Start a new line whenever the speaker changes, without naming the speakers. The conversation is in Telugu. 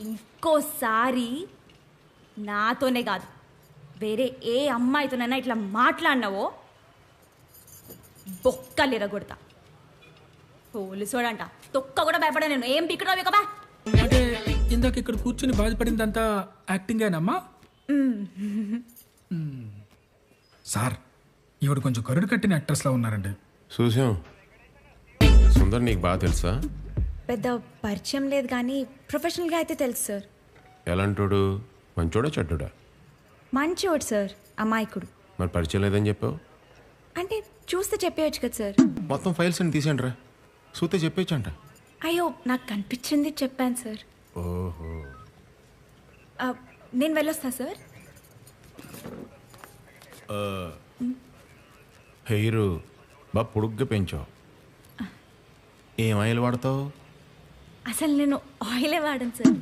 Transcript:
ఇంకోసారి నాతోనే కాదు వేరే ఏ అమ్మాయితోనైనా ఇట్లా మాట్లాడినావో బొక్కలు ఎరగొడతా. పోలీసోడంట తొక్క కూడా భయపడా. నేను ఏం పిక్కడో కదా.
అంటే ఇందాక ఇక్కడ కూర్చుని బాధపడిందంతా యాక్టింగేనమ్మా? సార్ ఈవిడ కొంచెం కరుడు కట్టిన యాక్ట్రెస్లా ఉన్నారండి.
చూసాం. సుందర్ నీకు బాగా తెలుసా?
పెద్ద పరిచయం లేదు కానీ ప్రొఫెషనల్గా అయితే తెలుసు సార్.
ఎలాంటోడు? మంచోడా చెడ్డోడా?
మంచోడు సార్, అమాయకుడు.
మరి పరిచయం లేదని చెప్పావు?
అంటే చూస్తే చెప్పేయచ్చు కదా సార్.
మొత్తం ఫైల్స్ అని తీసేయండి రా, చూస్తే చెప్పేచ్చు అంట.
అయ్యో నాకు కనిపించింది చెప్పాను సార్.
ఓహో.
నేను వెళ్ళొస్తా సార్.
హెయిర్ బాగా పొడుగ్గా పెంచావు. ఏం ఆయిల్ వాడతావు?
అసలు నేను ఆయిలే వాడను సార్.